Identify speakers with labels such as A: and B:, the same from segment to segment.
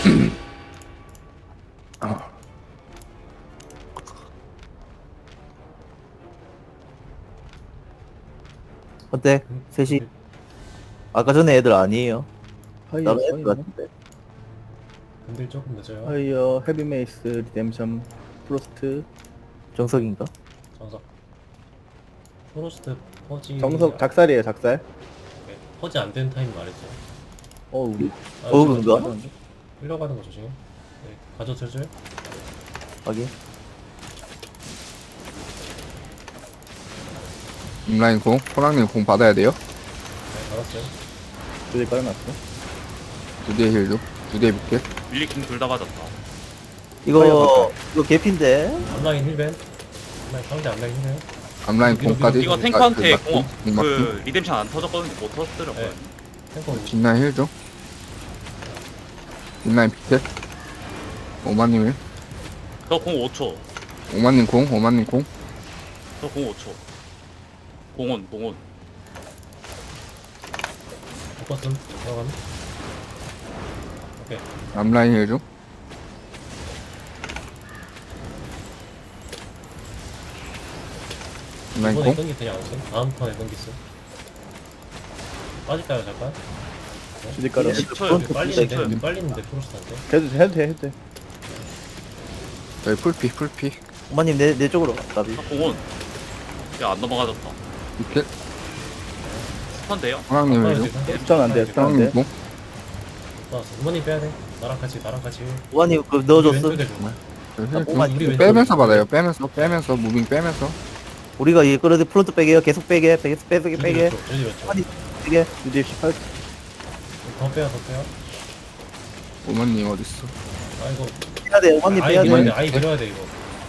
A: 어때? 셋이 아까 전에 애들 아니에요?
B: 하이어
A: 나도 애들
B: 서있네.
A: 같은데.
C: 근딜 조금 늦어요.
B: 하이어 헤비메이스 리뎀션 프로스트
A: 정석인가?
C: 정석. 프로스트 퍼지.
B: 정석 작살이에요 작살.
C: 네, 퍼지 안 된 타임 말했죠.
B: 우리
C: 아,
A: 버그인가?
C: 흘러가는 거 조심. 네, 가져 슬슬.
A: 확인.
D: 인라인 공, 호랑님 공 받아야 돼요.
C: 네, 받았어요.
B: 두대 깔아놨어.
D: 2대 힐도, 2대 비켓.
E: 밀리킹 둘 다 맞았다.
A: 이거 개피인데?
C: 앞라인 힐벤. 앞라인 상대 앞라인 힐벤.
D: 앞라인 공까지.
E: 이거 탱크한테
D: 맞고,
E: 그
D: 맞고.
E: 리뎀션 안 터졌거든요. 못 터졌더라고요.
C: 네. 탱커
D: 뒷라인 힐도. 뒷라인 비켓. 오마님을.
E: 저공 5초.
D: 오마님 공, 오마님 공.
E: 저공 5초. 공원.
C: 바꿨음. 들어가면. 오케이.
D: 앞라인 힐도. 앞라인
C: 이번에
D: 공.
C: 끊기 그냥 안 쓴. 다음 턴에 끊기음. 빠질까요 잠깐?
B: 두대 깔아.
E: 네. 10초요.
C: 빨리는데
E: 10초요.
C: 빨리는데 프로스트한테.
B: 해도 돼.
D: 저희 풀피, 풀피.
A: 엄마님 내 쪽으로 나비.
E: 공원. 야안 넘어가졌다.
D: 비켓.
E: 스턴데요?
D: 호랑님
C: 아,
D: 힐도.
B: 스턴 안 돼, 스턴 안 돼.
D: 호랑님 공.
C: 어머니 빼야 돼. 나랑 같이.
A: 오마님 그
C: 우리
A: 넣어줬어.
C: 왼쪽에 줘.
D: 저희
A: 아,
D: 힐
A: 오마-
D: 좀.
C: 우리 왼쪽에
D: 빼면서
C: 줘.
D: 받아요. 빼면서 무빙 빼면서.
A: 우리가 이 끌어들 프론트 빼게요. 계속 빼게. 빼게.
C: 주디 왼쪽.
A: 아니. 빼게.
B: 두대 18.
C: 더 빼요.
D: 오마님 어딨어?
C: 아 이거
A: 빼야 돼. 오마님
C: 아예
A: 빼야
C: 밀어야 돼.
A: 돼.
C: 아예 밀어야 돼 이거.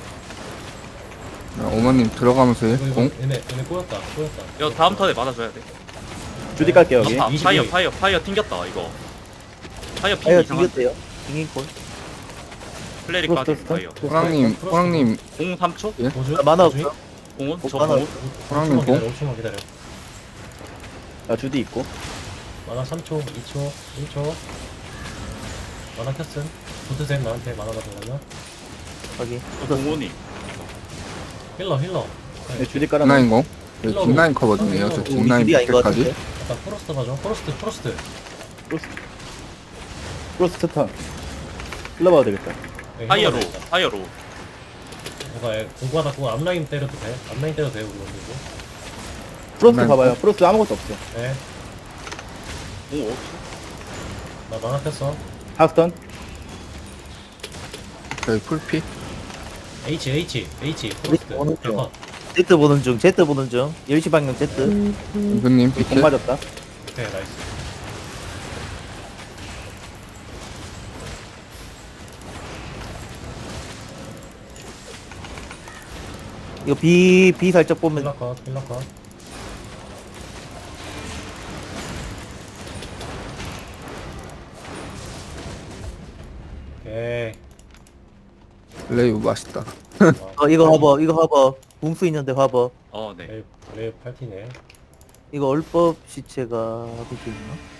D: 야, 오마님 들어가면서 힐
C: 이거
D: 공.
C: 얘네 꼬였다.
E: 이거 다음 턴에 맞아줘야 돼.
B: 두대 깔게 여기.
E: 아,
C: 22.
E: 파이어 튕겼다 이거. 파이어 핑
A: 아유
E: 이상한.
A: 튕겼대요. 튕긴콜.
E: 플레리까지
B: 프로스트
E: 파이어.
D: 호랑님
E: 공 3초?
C: 보조.
A: 아, 만화 없어.
E: 공원? 저
A: 만화
E: 공원?
D: 호랑님 공.
C: 5초만 기다려.
B: 나 주디 있고.
C: 만화 3초, 2초, 1초. 만화 켰음. 붙으셈 나한테 만화가 들어가면.
A: 확인.
E: 저 공원이.
C: 힐러.
B: 네, 주디 깔아놨어.
D: 뒷라인 공.
C: 힐러로.
D: 뒷라인 커버 중이에요. 저
C: 힐러로.
A: 우리
D: 뒷라인
A: 길이 아닌 것
D: 비켓까지.
A: 같은데.
C: 약간 프로스트 봐줘. 프로스트.
B: 프로스트 턴. 흘러봐도 되겠다.
C: 네,
E: 파이어로.
C: 힐러로 일단.
E: 파이어로.
C: 뭔가 공부하다고 앞라인 때려도 돼. 앞라인 때려도 돼 우리 원들고.
B: 프로스트
D: 난-
B: 봐봐요. 프로스트 아무것도 없어.
C: 네.
E: 공 5초.
C: 나 만화 켰어.
B: 하스턴.
D: 저희 풀피.
C: H. 프로스트.
A: 어느 쪽?
C: 컷.
A: Z 보는 중. Z 보는 중. 10시 방향 Z.
D: 은근님
B: 공
D: 비켓.
B: 맞았다.
C: 오케이 나이스.
A: 이거 B 살짝 보면
C: 힐러 컷. 오케이.
D: 레이브 맛있다.
A: 이거 화버. 붕수 있는데 화버.
E: 네.
C: 레이 팔티네.
A: 이거 얼법 시체가 어디 있나?